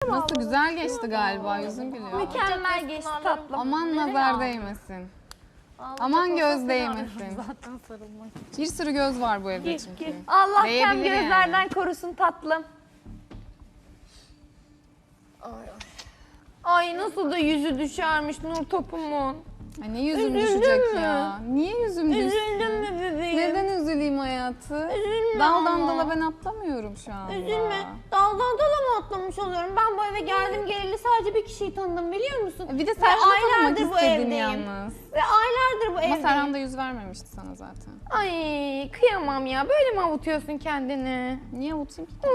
Nasıl güzel geçti galiba, yüzün gülüyor. Mükemmel geçti tatlım. Aman nazar değmesin. Aman göz değmesin. Zaten sarılmak. Bir sürü göz var bu evde çünkü. Allah kem Değebilir yani. gözlerden korusun tatlım. Ay nasıl da yüzü düşermiş Nur topumun. Ay ne yüzüm Üzüldün düşecek mü? ya? Niye yüzüm düşsün? Üzüldün mü bebeğim? Neden üzüleyim hayatı? Üzülme Daldan ama. dala ben atlamıyorum şu anda. Üzülme. Daldan dala mı atlamış oluyorum? Ben bu eve geldim geleli sadece bir kişiyi tanıdım biliyor musun? Bir de Ve Serhan'ı tanımak aylardır bu istedin evdeyim. yalnız. Ve aylardır bu Ama evdeyim. Serhan da yüz vermemişti sana zaten. Ay kıyamam ya. Böyle mi avutuyorsun kendini? Niye avutayım ki?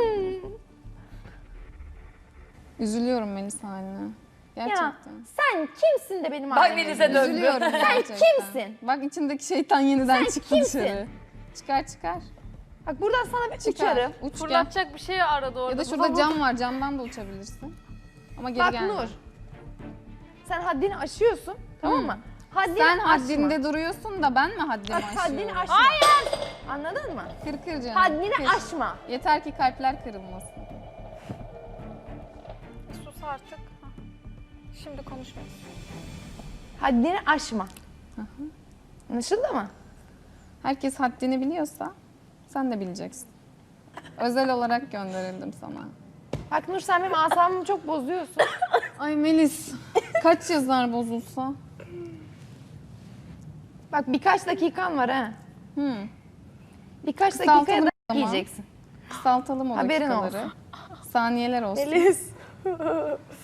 Üzülüyorum Melis haline. Gerçekten. Ya sen kimsin de benim Bak anneme Melis'e üzülüyorsun? döndü. Üzülüyorum gerçekten. kimsin? Bak içindeki şeytan yeniden Sen çıktı kimsin? dışarı. Çıkar çıkar. Bak buradan sana bir Çıkar. uçarım. Uç gel. Fırlatacak bir şey aradı orada. Ya da şurada cam var. Camdan da uçabilirsin. Ama geri Bak gelme. Nur. Sen haddini aşıyorsun. Tamam mı? Haddini Sen aşma. haddinde duruyorsun da ben mi haddimi Bak aşıyorum? haddini aşma. Hayır. Anladın mı? Kır kır canım. Haddini kır. aşma. Yeter ki kalpler kırılmasın. Sus artık. Hah. Şimdi konuşmayız. Haddini aşma. Anlaşıldı mı? Herkes haddini biliyorsa sen de bileceksin. Özel olarak gönderildim sana. Bak Nur sen benim asabımı çok bozuyorsun. Ay Melis, kaç yazar bozulsa? Bak birkaç dakikan var ha. Birkaç Kısaltalım dakikaya da o zaman. yiyeceksin. Kısaltalım o Haberin dakikaları. Saniyeler olsun. Melis.